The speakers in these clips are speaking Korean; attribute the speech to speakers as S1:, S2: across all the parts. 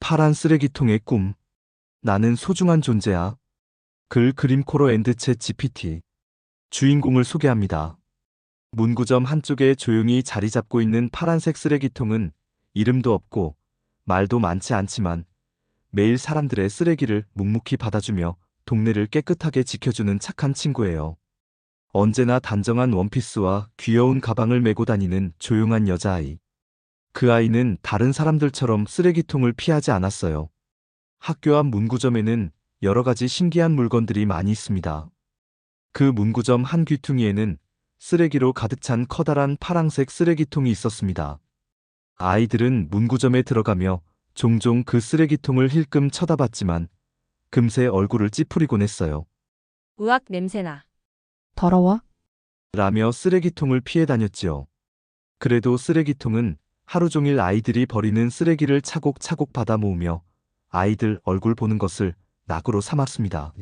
S1: 파란 쓰레기통의 꿈. 나는 소중한 존재야. 글 그림 코로 앤드 챗 GPT. 주인공을 소개합니다. 문구점 한쪽에 조용히 자리 잡고 있는 파란색 쓰레기통은 이름도 없고 말도 많지 않지만 매일 사람들의 쓰레기를 묵묵히 받아주며 동네를 깨끗하게 지켜주는 착한 친구예요. 언제나 단정한 원피스와 귀여운 가방을 메고 다니는 조용한 여자아이. 그 아이는 다른 사람들처럼 쓰레기통을 피하지 않았어요. 학교 앞 문구점에는 여러 가지 신기한 물건들이 많이 있습니다. 그 문구점 한 귀퉁이에는 쓰레기로 가득 찬 커다란 파란색 쓰레기통이 있었습니다. 아이들은 문구점에 들어가며 종종 그 쓰레기통을 힐끔 쳐다봤지만 금세 얼굴을 찌푸리곤 했어요.
S2: 으악 냄새나.
S3: 더러워?
S1: 라며 쓰레기통을 피해 다녔지요. 그래도 쓰레기통은 하루 종일 아이들이 버리는 쓰레기를 차곡차곡 받아 모으며 아이들 얼굴 보는 것을 낙으로 삼았습니다.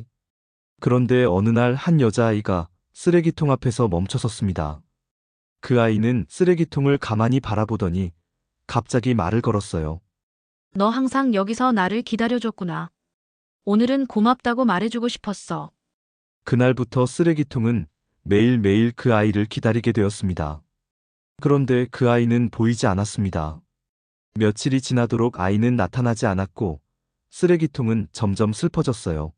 S1: 그런데 어느 날 한 여자아이가 쓰레기통 앞에서 멈춰섰습니다. 그 아이는 쓰레기통을 가만히 바라보더니 갑자기 말을 걸었어요.
S2: 너 항상 여기서 나를 기다려줬구나. 오늘은 고맙다고 말해주고 싶었어.
S1: 그날부터 쓰레기통은 매일매일 그 아이를 기다리게 되었습니다. 그런데 그 아이는 보이지 않았습니다. 며칠이 지나도록 아이는 나타나지 않았고 쓰레기통은 점점 슬퍼졌어요.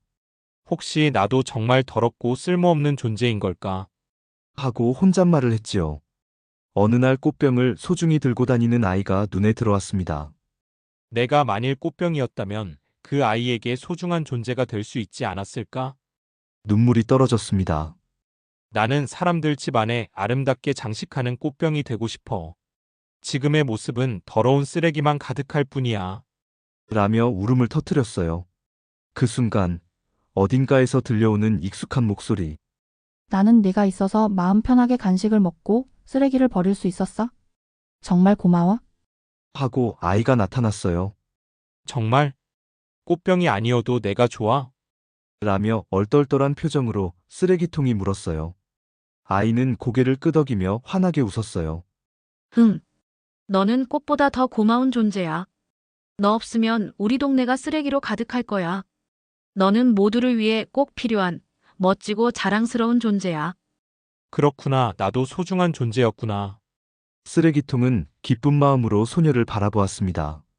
S4: 혹시 나도 정말 더럽고 쓸모없는 존재인 걸까?
S1: 하고 혼잣말을 했지요. 어느 날 꽃병을 소중히 들고 다니는 아이가 눈에 들어왔습니다.
S4: 내가 만일 꽃병이었다면 그 아이에게 소중한 존재가 될 수 있지 않았을까?
S1: 눈물이 떨어졌습니다.
S4: 나는 사람들 집 안에 아름답게 장식하는 꽃병이 되고 싶어. 지금의 모습은 더러운 쓰레기만 가득할 뿐이야.
S1: 라며 울음을 터뜨렸어요. 그 순간 어딘가에서 들려오는 익숙한 목소리.
S3: 나는 네가 있어서 마음 편하게 간식을 먹고 쓰레기를 버릴 수 있었어. 정말 고마워.
S1: 하고 아이가 나타났어요.
S4: 정말? 꽃병이 아니어도 내가 좋아?
S1: 라며 얼떨떨한 표정으로 쓰레기통이 물었어요. 아이는 고개를 끄덕이며 환하게 웃었어요.
S2: 너는 꽃보다 더 고마운 존재야. 너 없으면 우리 동네가 쓰레기로 가득할 거야. 너는 모두를 위해 꼭 필요한 멋지고 자랑스러운 존재야.
S4: 그렇구나. 나도 소중한 존재였구나.
S1: 쓰레기통은 기쁜 마음으로 소녀를 바라보았습니다.